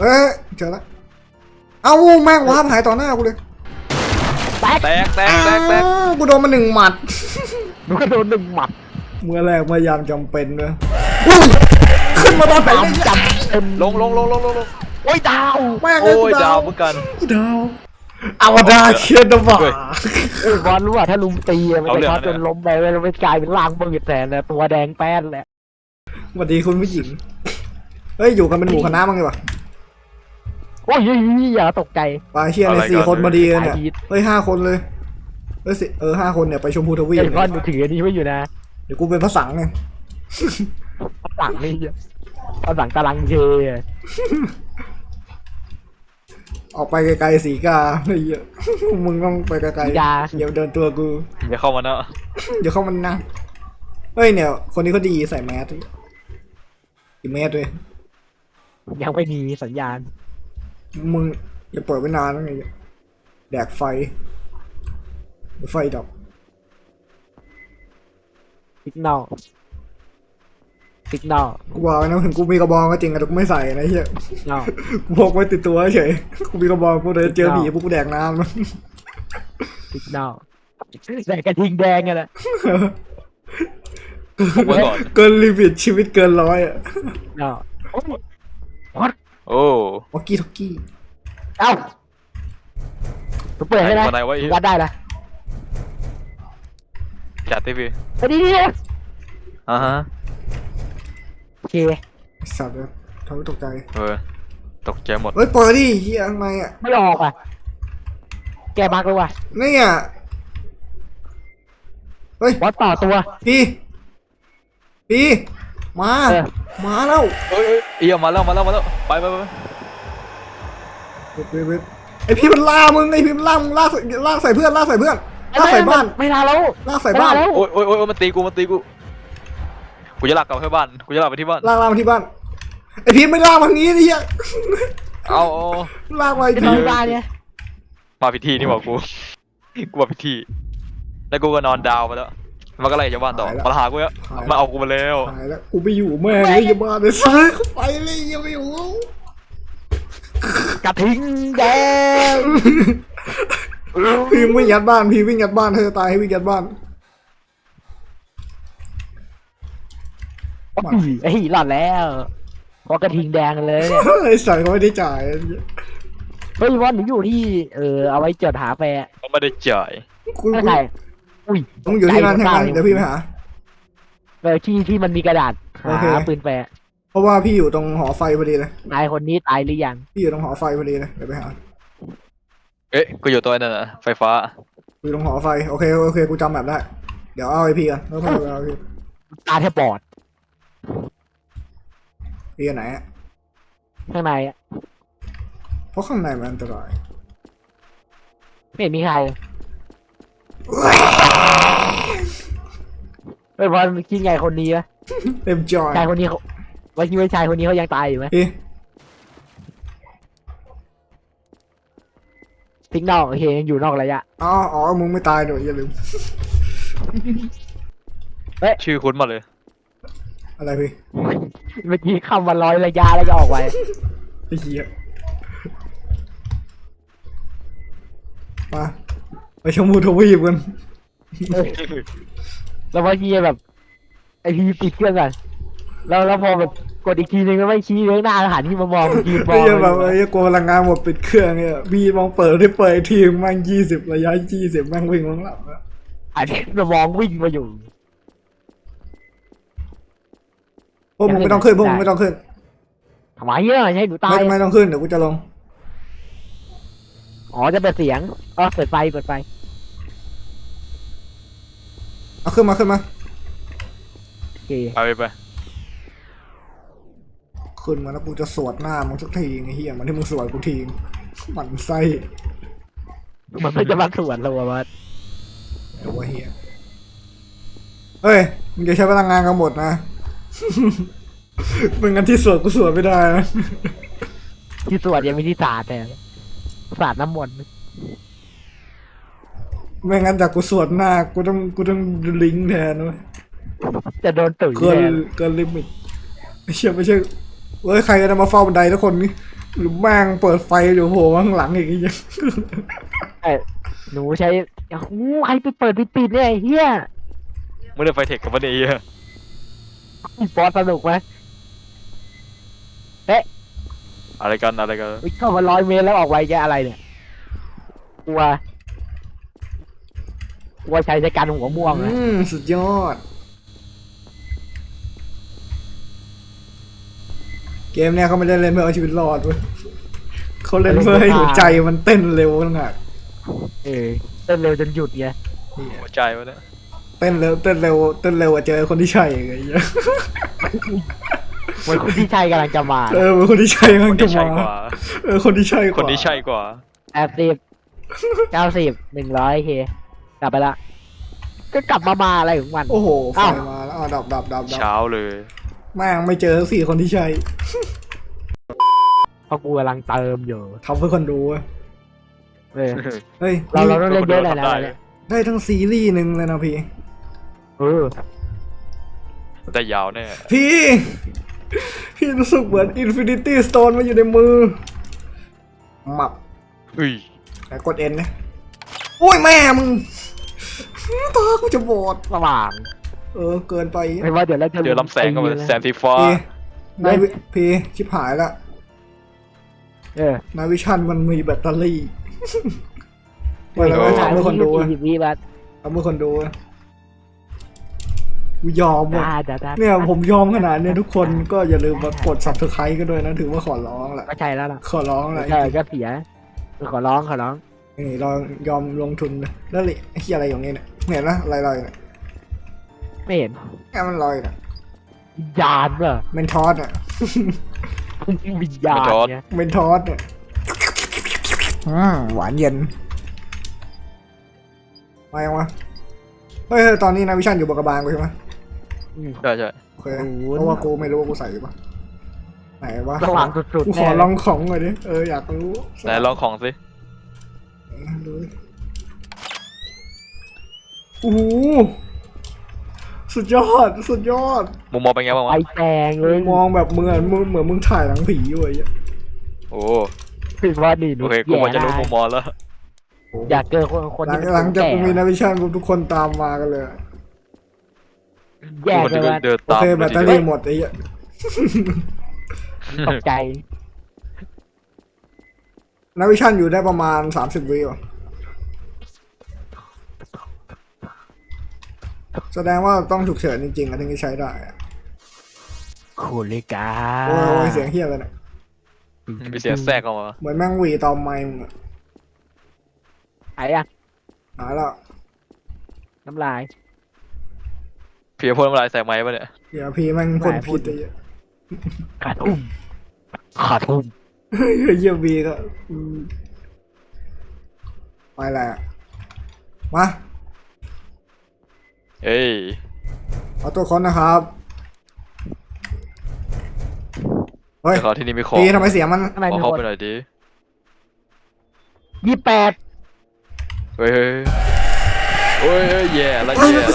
เอ้ยเจอแล้วเอาแม่งวาร์ปหายต่อหน้ากูเลยแตกกูโดนมา1 หมัดหนูก็โดน1 หมัดเมื่อแรกเมื่อยามจำเป็นเลยขึ้นมาตอนไหนเนี่ยจำเป็นลงโอ้ยดาวแม่งโอ้ยดาวเหมือนกันดาวอวตารเชียร์ดบ่าบอลรู้ว่าถ้าลุมตีมันจะช็อตจนล้มไปแล้วไม่กลายเป็นร่างมืดแทนนะตัวแดงแป้นแหละสวัสดีคุณผู้หญิงเฮ้ยอยู่กันเป็นหมู่คณะมั้งดีกว่าโอ้ยอย่าตกใจปาเชียร์ใน4 คนพอดีเลยเนี่ยเฮ้ย5 คนเลยเฮ้ย5 คนเนี่ยไปชมพูทวีปไอ้ก้อนมือถืออันนี้ไม่อยู่นะเดี๋ยวกูเป็นพระสังไงหลังนี่หลังตารางเทออกไปไกลๆสีกาไอ้เหี้ยมึงต้องไปไกลๆอย่าเดินตัวกูอย่าเข้ามานะเดี๋ยวเข้ามันนะเฮ้ยเนี่ยคนนี้เขาดีใส่แมสกี่เมตรเลยยังไม่มีสัญญาณมึงอย่าเปิดไว้นานนะไงแดกไฟดับสิกนอลกูบอกไว้นะถึงกูมีกระบองก็จริงแต่กูไม่ใส่นะเฮียนอกูพกไว้ติดตัวเฉยกูมีกระบองกูเลยเจอผีพวกกูแดกน้ำสิกนอลใส่กระทิงแดงไงแหละเกินลิมิตชีวิตเกิน100อ่ะนอโอ้วอกกี้ท็อกกี้เอ้าตัวเปิดให้ได้มาไหนวะวัดได้ละจัดทีวีไปดีอ่าฮะโอเคสัตว์เลยทำให้ตกใจตกใจหมดเฮ้ยเปิดดิเฮียทำไมอ่ะไม่ออกอ่ะแกบักเลยว่ะนี่อ่ะเฮ้ยวัดต่อตัวพี่มาเออมาแล้วเอ้ยเอี่ยมาแล้วไปเว็บไอพี่มันล่ามึงไอพี่มันล่ามึงลากใส่เพื่อนลากใส่บ้านไม่ทันแล้วลากใส่บ้านแล้วโอ้ยมันตีกูกูจะลากกลับไปบ้านกูจะลากไปที่บ้านลากมาที่บ้านไอพี่ไม่ลากมาทางนี้นี่เฮียเอาลากมาไอเป็นพี่ทางบ้านเนี่ยมาพิธีนี่บอกกูมาพิธีแล้วกูก็นอนดาวไปแล้วมันก็ไล่จากบ้านต่อมาหากูแล้วมาเอากูมาแล้วหายแล้วกูไปอยู่แม่เลยอย่าบ้านเลยซื้อเข้าไปเลยอย่าไปอยู่กระทิงแดงพี่วิ่งยัดบ้านพี่วิ่งยัดบ้านเธอตายให้วิ่งยัดบ้านไอ้หลอดแล้วเพราะกระทิงแดงเลยเนี่ยไอสัตว์เขาไม่ได้จ่ายเฮ้ยวันหนูอยู่ที่เอาไว้จดหาแฟร์เขาไม่ได้จ่ายคุณไม่ใช่อุ้ยมึงอยู่ที่นั่นใช่ไหมเดี๋ยวพี่ไปหาที่มันมีกระดาษโอเคหาปืนแฟร์เพราะว่าพี่อยู่ตรงหอไฟพอดีเลยนายคนนี้ตายหรือยังพี่อยู่ตรงหอไฟพอดีเลยเดี๋ยวไปหาเอ๊ะกูอยู่ตัวนั่นน่ะไฟฟ้าอยู่ตรงหอไฟโอเคกูจำแบบได้เดี๋ยวเอาไอพีกันแล้วค่อยเอาไอพีตาแทบบอดพีไหนอะข้างในอะเพราะข้างในมันอันตรายไม่เห็นมีใครไม่พอคิดไงคนนี้วะเต็มจอยชายคนนี้เขาว่าคิดว่าชายคนนี้เขายังตายอยู่ไหมพี่ทิ้งนอกโอเคยังอยู่นอกระยะอ๋อมึงไม่ตายเดี๋ยวอย่าลืมชื่อคุ้นมาเลยอะไรพี่เมื่อกี้คำว่า100ระยะแล้วก็ออกไปไอ้เหี้ยมาไปชมพูทวีปกันแล้วเมื่อกี้แบบไอพีปิดเครื่องก่อนแล้วพอแบบกดอีกทีนึงก็ไม่ชี้เรื่องหน้าหันที่มามองยืนมอไอ้งเหี้ยแบบไอ้เหี้ยกลัวพลังงานหมดปิดเครื่องเนี่ยพี่มองเปิดที่เปิดทีแม่ง20ระยะ20แม่งวิ่งลงหลับอะหันที่มามองวิ่งมาอยู่พวกมึงไม่ต้องขึ้นพวกมึงไม่ต้องขึ้นทำไมเนี่ยให้หนูตายไม่ต้องขึ้นเดี๋ยวกูจะลงอ๋อจะเปิดเสียงเปิดไฟเอาขึ้นมาโอเคไปขึ้นมาแล้วกูจะสวดหน้ามึงสักทีไอ้เหี้ยมันที่มึงสวดกูทีหมันไส้มันไม่จะมาสวนเราอะมันเดี๋ยวว่าเหี้ยเฮ้ยมึงจะใช้พลังงานกันหมดนะ เป็นงั้นที่สวดกูสวดไม่ได้นะที่สวนยังไม่ที่สาดแต่สาดน้ำมนต์ไม่งั้นจากกูสวดหน้ากูต้องลิงก์แทนเว้ยจะโดนตุ๋ยเกินลิมิตไม่ใช่เฮ้ยใครจะมาเฝ้าบันไดทุกคนนี่หรือแม่งเปิดไฟอยู่โผล่มาข้างหลังอีกไอ้เหี้ยเอ้ยหนูใช้โอ้โหใครไปเปิดปิดเนี่ยไอ้เฮียไม่ได้ไฟเทคกับมันเองบอสสนุกไหมอะไรกันอะไรกันวิ่งเข้ามา100 เมตรแล้วออกไวแกอะไรเนี่ยกลัวใช้การหัวม่วงนะสุดยอด เกมเนี้ยเขาไม่ได้เล่นเพื่อเอาชีวิตรอดเว้ยเขาเล่นเพื่อให้หัวใจมันเต้นเร็วต่างหากเต้นเร็วจนหยุดไงหัวใจวะเนี่ยเต้นเร็วเต้นเร็วเต้นเร็วอะเจอคนที่ใช่ไงเหี้ยเหมือนคนที่ใช่กำลังจะมาเออเป็นคนที่ใช่คมันนจะที่ใช่กมาว่าเออคนที่ใช่กว่าคนที่ใช่กว่า 80 90 100 เคกลับไปละก็กลับมาอะไรของมันโอ้โหไฟอ้าวมาแล้วอ่ะดับเช้าเลยแม่งไม่เจอทั้ง4คนที่ใช่เพราะกูกำลังเติมอยู่ทำเพื่อคนดูเว้ยเออเฮ้ยเรานี่ต้องเล่นเยอะเลยนะได้ทั้งซีรีส์หนึ่งเลยนะพี่เออได้ยาวแน่พี่รู้สึกเหมือน Infinity Stone มาอยู่ในมือหมับอุ้ยแต่กด N นะโอ้ยแม่มึงตากูจะบอดสว่างเกินไปไม่ว่าเดี๋ยวเราจะเจอลำแสงเข้ามาแสงสีฟ้าพี่นายพี่ชิบหายละเออนายวิชันมันมีแบตเตอรี่ไว้แล้วทำเพื่อคนดูอะ 20 วิบัตทำเพื่อคนดูอะกูยอมว่ะได้เนี่ยผมยอมขนาดเนี้ยทุกคนก็อย่าลืมมากด subscribe กันด้วยนะถือว่าขอร้องแหละก็ใช่แล้วล่ะขอร้องแหละใช่ก็เสียขอร้องนี่เรายอมลงทุนเลยแล้วเลยไอ้เหี้ยอะไรอย่างเงี้ยเนี่ยเห็นนะอะไรลอยเนี่ยไม่เห็นแค่มันลอยเนี่ยวิญญาณเหรอเมนทอสอ่ะวิญญาณเนี่ยเมนทอสเนี่ยหวานเย็นมายังวะเฮ้ยตอนนี้นายวิชันอยู่บนกระบาลกูใช่ไหมใช่ใช่โอเคเพราะว่ากูไม่รู้ว่ากูใส่อยู่ปะไหนวะสว่างสุดกูๆขอแน่ลองของหน่อยดิอยากรู้ไหนลองของสิดูดิโอ้โหสุดยอดสุดยอดมุมมองเป็นไงบ้างไฟวะแดงเลยมองแบบเหมือนมึงถ่ายหนังผีอยู่ไอ้เหี้ยโอ้คือว่าดีหนูโอเคกูพอจะรู้มุมมองแล้วอยากเจอคนหลัที่งหลังจากกูมีนาวิชั่นปุ๊บทุกคนตามมากันเลยแย่คนเลยว่าเดินโอตามเคแบตเตอรี่หมดไอ้เหี้ยตกใจนาวิชั่นอยู่ได้ประมาณ30 วิว่ะแสดงว่าต้องฉุกเฉินจริงๆอะถึงจะใช้ได้อะโคเลกาโอ้ยเสียงเฮี้ยเลยเนี่ยมีเสียงแทรกออกมาเหมือนแม่งหวีตอมไม้มึงอะไอ้อะหายแล้วน้ำลายเพียพ่นน้ำลายใส่ไม้ปะเนี่ยเดี๋ยวพี่แม่งพ่นพิษไอ้เหี้ยขาทุ่มเฮ้ยเยี่ยมบีก็ไปแหละมาเอ้ยเอาตัวคนนะครับ เฮ้ยเดี๋ยวเขาที่นี่มีของตีทำไมเสียงมันทำไมขอมีเข้าคนไปหน่อยดิ 28 เฮ้ยโอ้ยแย่แล้วแย่แล้ว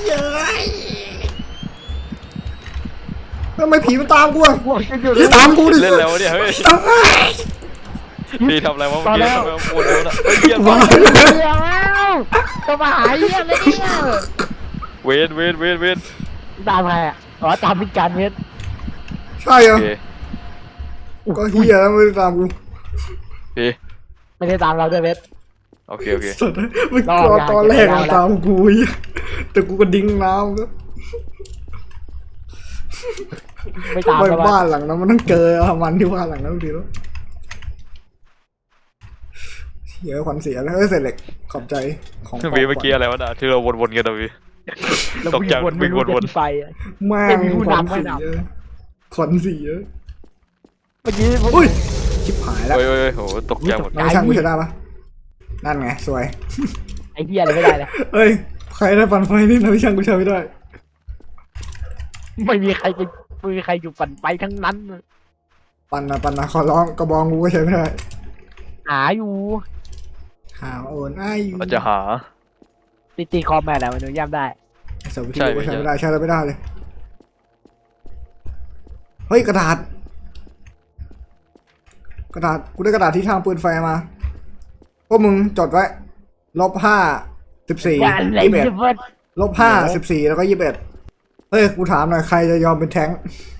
ทำไมผีมันตามกูอะพวกจะอยู่อย่าตามกูดิเล่นแล้วเนี่ยเฮ้ยพี่ทำอะไรวะเมื่อกี้ทำไมโคตรโดนอ่ะเฮ้ยเยี่ยมว้าเดี๋ยวจะมาหาเรื่องเลยเนี่ยเวนตามใครอ่ะอ๋อตามพิการเวทใช่เหรโออเคก็เฮียแล้วไม่ได้ตามกูพี่ไม่ได้ตามเราด้วยเวทโอเคสุดมันกลัวตอนแรกมันตามกูเหี้ยแต่กูก็ดิ้งน้ำก็ไม่ตามไปเราบ้านหลังนั้นมันต้องเจอมันที่บ้านหลังนั้นทีแล้วเหี้ยขวัญเสียแล้วเสร็จเหล็กขอบใจของวีเมื่อกี้อะไรวะน่ะที่เราวนๆกันนะวีเราตกใจวิ่งวนวิ่งวนไปแม่ไม่งมีผู้ขวัญนำให้เสียนำขวัญเสียเมื่อกี้ผมอุ้ยชิบหายแล้วเฮ้ยโหตกใจหมดไนายช่างกูใช้ได้ปะนั่นไงสวยอ้เหี้ยอะไรไม่ได้เลยเอ้ยใครได้ปั่นไฟนี่นายช่างกูใช้ไม่ได้ไม่มีใครอยู่ปั่นไปทั้งนั้นปั่นนะขอร้องกระบองกูก็ใช้ไม่ได้หาอยู่หาโอนไอ้อยู่มันจะหาตีคอมแม่แล้วมันดูย่ำได้สวิตช์กูใช้ไม่ได้ใช้อะไรไม่ได้เลยเฮ้ยกระดาษกระดาษกูได้กระดาษที่ทางปืนไฟมาพวกมึงจดไว้-5 14 อย่าอะไร 21 จะเบิด -5 14แล้วก็21เฮ้ยกูถามหน่อยใครจะยอมเป็นแท้งค์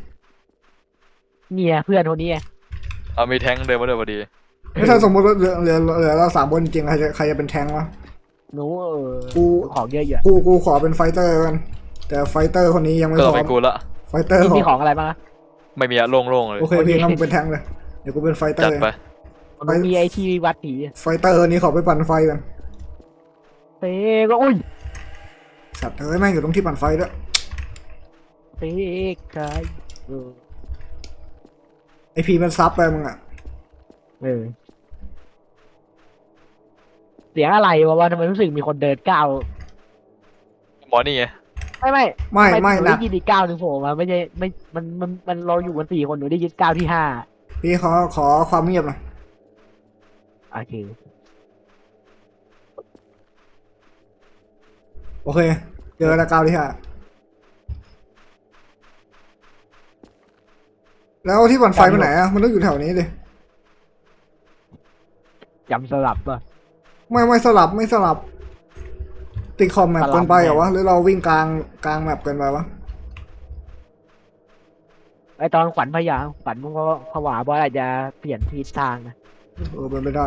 เนี่ยเพื่อนคนนี้ไงเอามีแท้งเดินมาด้วยพอดีถ้าสมมติว่าเหลือเรา3 คนจริงๆใครจะเป็นแท้งค์วะหนูกูของเยอะอยู่กูขอเป็นไฟเตอร์กันแต่ไฟเตอร์คนนี้ยังไม่ก็พต้องร้อเป็นมกูละไฟเตอร์มีขขอองอะไรบ้างอะไม่มีอะโล่งๆเลยโอเคพี่งั้นมึงเป็นแท้งค์เลยเดี๋ยวกูเป็นไฟเตอจัดร์ไปมันมีไอที่วัดผีไฟเตอร์นี้ขอไปปั่นไฟกันเต้ก็อุ้ยสัตว์เอ้ยแม่งอยู่ตรงที่ปั่นไฟด้วยเต้ใครไอพีมันซับไปมึงอ่ะเออเสียงอะไรวะว่าทำไมรู้สึกมีคนเดินก้าวหมอนี่ไงไม่ไม่หนูนะได้ยินอีกก้าวหนึ่งโผล่มาไม่ใช่ไม่มันเราอยู่กัน4 คนหนูได้ยินก้าวที่ 5 พี่ขอความเงียบหน่อยโอเคโอเคเจอแล้วก้าวที่ 5แล้วที่ปั่นไฟไปไหนอ่ะมันต้องอยู่แถวนี้ดิจำสลับป่ะไม่สลับไม่สลับติดคอมแมปสลับเกินไปเหรอแมปวะหรือเราวิ่งกลางแมปเกินไปวะไอตอนขวัญพยางขวัญมันก็ผวาบอสอาจจะเปลี่ยนทิศทางนะเป็นไม่ได้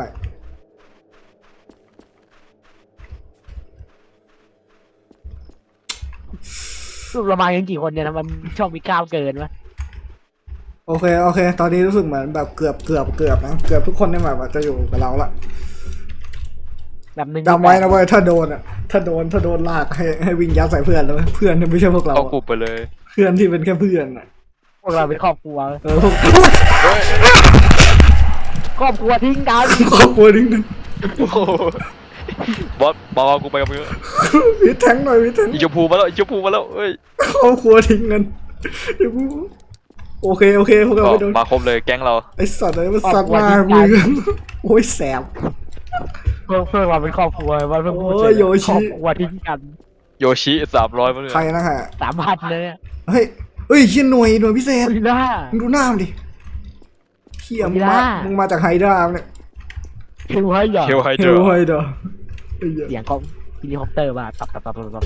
รูปเรามากันกี่คนเนี่ยนะมันชอบมีก้าวเกินวะโอเคตอนนี้รู้สึกเหมือนแบบเกือบนะเกือบทุกคนในแมปอะจะอยู่กับเราละแบบหนึ่งจำไว้นะเว้ยถ้าโดนอ่ะถ้าโดนลากให้วิ่งยัดใส่เพื่อนแล้วเพื่อนที่ไม่ใช่พวกเราเอาอะกูไปเลยเพื่อนที่เป็นแค่เพื่อนอ่ะพวกเราเป็นครอบครัวพวกเฮ้ยครอบครัวทิ้งกันครอบครัวนิดนึงโอ้โหบอสบอกเอากูไปกับมึงวิทแทงค์หน่อยวิทแทงค์อีชมพูมาแล้วอีชมพูมาแล้วเอ้ยครอบครัวทิ้งกันเดี๋ยวกูโอเคพวกเราไม่โดนมาครบเลยแก๊งเราไอสัตว์เลยมันสัตว์มากมึงโอ้ยแสบเพื่อนเราเป็นครอบครัวว่าเพื่อนพูดโอ้ยโยชิครอบครัวทิ้งกันโยชิ300มาเลยใครนะฮะ 3,000เลยอะเฮ้ยเชี่ยหน่วยพิเศษอุ้ยล่ามึงดูหน้ามันดิเขี้ยไม่ได้มึงมาจากไฮด้าเนี่ยเฮลไฮเหรอเฮลไฮเฮเดอลร์ไฮด้าไอ้เหี้ยเสียงของเฮลิคอปเตอร์มาตับ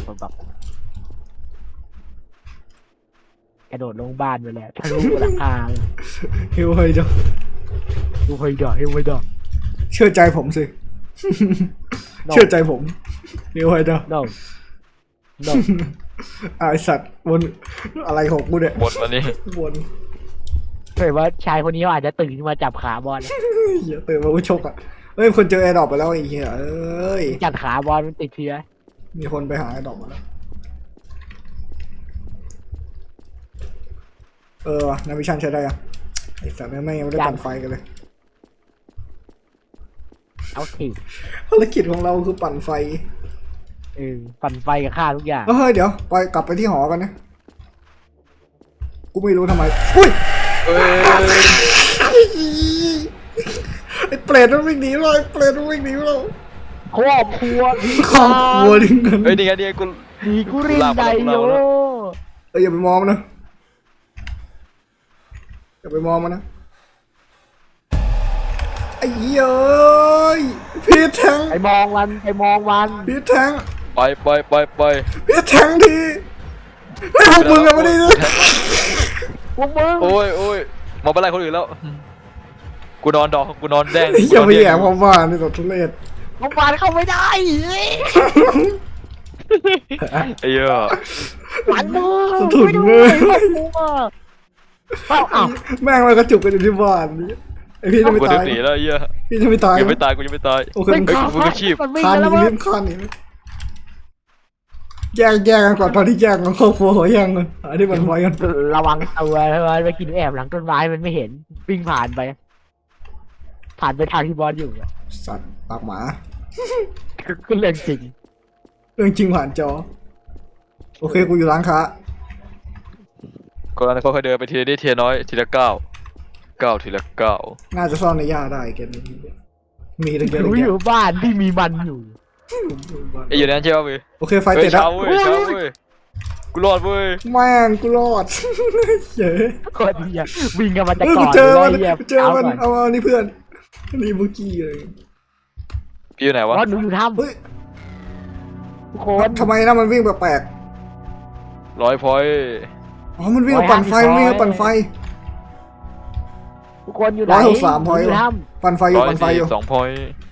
กระโดดลงบ้านไปเลยทะลุหลังคาเฮลไฮด้าเฮลไฮเดอร์เฮลไฮเดอร์เชื่อใจผมสิ เชื่อใจผมเฮลไฮด้า no no ไอสัตว์วนอะไรของกูเนี่ยหมดวันนี้วนเคยว่าชายคนนี้เขาอาจจะตื่นขึ้นมาจับขาบอลเหี้ยตื่นมากูชกอ่ะเฮ้ยคนเจอแอร์ดรอปไปแล้วไอ้เหี้ยเอ้ยจับขาบอลมันติดเชื้อมีคนไปหาแอร์ดรอปมาแล้วว่ะนาวิชันใช้ได้ยังไอสัตว์ไม่ยังไม่ได้ปั่นไฟกันเลยเอาทีภารกิจของเราคือปั่นไฟปั่นไฟกับฆ่าทุกอย่างเฮ้ยเดี๋ยวไปกลับไปที่หอกันนะกูไม่รู้ทำไมอุ้ยเอ้ยไอ้เปรตมันวิ่งหนีเราไอ้เปรตมันวิ่งหนีเราครอบครัวทิ้งครอบครัวดิ้งกันเฮ้ยนี่ไงนี่ไงกูดีกูรินไดโยเอ้ยอย่าไปมองมันนะอย่าไปมองมันนะไอ้เหี้ยเอ้ยพีทแทงไปมองมันไปมองมันพีทแทงไปพีทแทงทีไอ้ยพวกมึงอะไม่ได้เลยพวกมึงโอ้ยมาเป็นไรคนอื่นแล้ว กูนอนแดงอย่าไปแย่ความว่านี่ตัวทุเรศพวกมันเข้าไม่ได้ไอ้เหี้ยหลังมือสะทุนไม่เลด้วยยครอบครัวเอ้าแม่งมากระจุกกันอยู่ที่บ้านนี่ไอพี่จะไม่กูตาจะยหนีแล้วไอ้เหี้ยพี่จะไม่ตายกูยังไม่ตายกูยังไม่ตายโอเคไม่มึงฆ่ามึงก็ชีพมันวิ่งคานกันหแล้วนีมั้งรีบคานหนีแยกกันก่อนตอนที่แยกกันครอบครัวขอแยกกันอันนี้มันไว้กันระวังตัวไปกินแอบหลังต้นไม้มันไม่เห็นวิ่งผ่านไปทางที่บอสอยู่อะสัตว์ปากหมาก็เรื่องจริงเรื่องจริงผ่านจอ โอเคกูอยู่ร้านค้าก็นั้นเขาเคยเดินไปทีละนิดทีละน้อยทีละก้าวทีละก้าวน่าจะซ่อนในหญ้าได้เกมนี้มีตั้งเยอะหนูตั้งอแยะยู่บ้านที่มีมันอยู่ไอ้อยู่นั้นใช่ป่ะพี่โอเคไฟเฮ้ติยดแล้วเช้าเว้ยกูรอดเว้ยแม่งกูรอดเย้ยโคตรดีอะวิ่งกันมาจากเฮ้ยก่กูอนเจอมันเลยกูเจอมันเอานี่เพื่อนนี่เมื่อกี้เลยพี่อยู่ไหนวะว่าหนูอยู่ถ้เฮ้ยำทุกคนทำไมนะมันวิ่งแปลก 100 พอยต์ๆอ๋อมันวิ่งมาปั่นไฟมันวิ่งมาปั่นไฟทุกคนอยู่ไหน 163พอยต์อยู่ว่ะถ้ปั่นไฟอยู่ปั่นไฟอยู่ 142 พอยต์